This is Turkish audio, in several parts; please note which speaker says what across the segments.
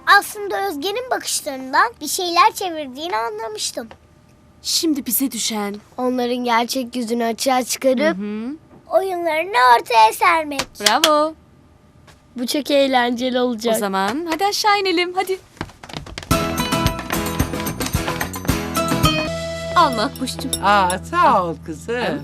Speaker 1: Aslında Özge'nin bakışlarından bir şeyler çevirdiğini anlamıştım.
Speaker 2: Şimdi bize düşen.
Speaker 1: Onların gerçek yüzünü açığa çıkarıp oyunlarını ortaya sermek.
Speaker 2: Bravo.
Speaker 1: Bu çok eğlenceli olacak.
Speaker 2: O zaman hadi aşağı inelim hadi. Al Makbuş'cum.
Speaker 3: Sağ ol kızım.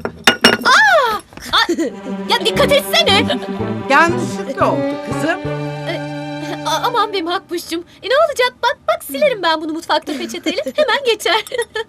Speaker 2: Ya dikkat etsene.
Speaker 3: Yanlışlıkla oldu kızım.
Speaker 2: Aman be Makbuş'cum. Ne olacak? Bak silerim ben bunu mutfakta peçeteyle. Hemen geçer.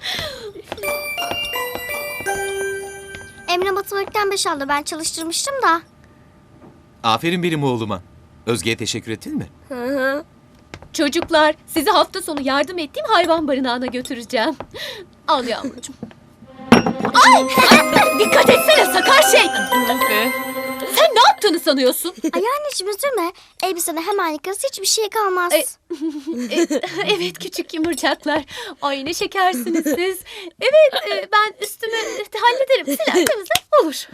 Speaker 1: Emre matematikten 5 aldı. Ben çalıştırmıştım da.
Speaker 4: Aferin benim oğluma. Özge'ye teşekkür ettin mi?
Speaker 2: Çocuklar, sizi hafta sonu yardım ettiğim hayvan barınağına götüreceğim. Al yavrucuğum. Ay, dikkat etsene sakar şey. Sen ne yaptığını sanıyorsun?
Speaker 1: Ay anneciğim üzülme. Elbisene hemen yıkarız, hiçbir şey kalmaz.
Speaker 2: Evet küçük yumurcaklar. Ay ne şekersiniz siz. Evet ben üstümü hallederim. Siler temizler olur.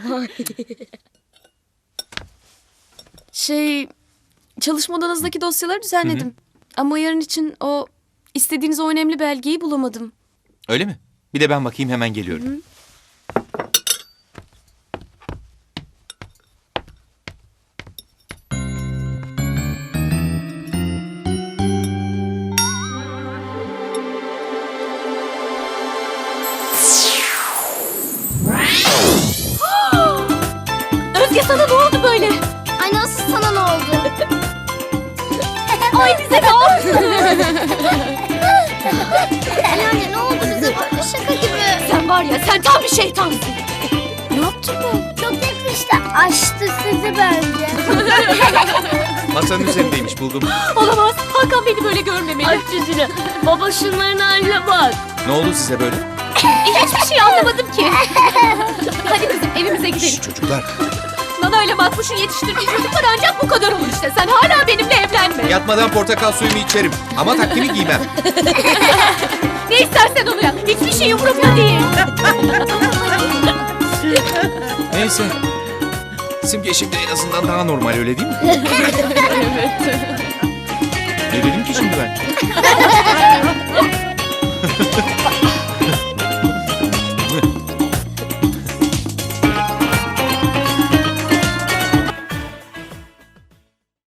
Speaker 2: Çalışma odanızdaki dosyaları düzenledim. Ama yarın için o istediğiniz o önemli belgeyi bulamadım.
Speaker 4: Öyle mi? Bir de ben bakayım, hemen geliyorum.
Speaker 2: Özge sana ne oldu böyle?
Speaker 1: Ay nasıl sana ne oldu?
Speaker 2: Ay bize ne oldu?
Speaker 1: Ay anne ne oldu bize böyle şaka gibi.
Speaker 2: Sen var ya sen tam bir şeytansın.
Speaker 1: Ne yaptın ben? Çok yakıştı. Açtı sizi bence.
Speaker 4: Masanın üzerindeymiş, buldum.
Speaker 2: Olamaz. Hakan beni böyle görmemeli.
Speaker 1: Aç yüzünü. Baba şunların haline bak.
Speaker 4: Ne oldu size böyle?
Speaker 2: Hiçbir şey anlamadım ki. Hadi kızım evimize gidelim.
Speaker 4: Şşş, çocuklar.
Speaker 2: Nana ile Makbuş'un yetiştirdiği çocuklar ancak bu kadar olur işte. Sen hala benimle evlenme.
Speaker 4: Yatmadan portakal suyumu içerim. Ama takvimi giymem.
Speaker 2: Ne istersen onu yap. Hiçbir şey umurumda değil.
Speaker 4: Neyse. Simge şimdi en azından daha normal, öyle değil mi?
Speaker 2: Evet.
Speaker 4: Ne dedim ki şimdi ben?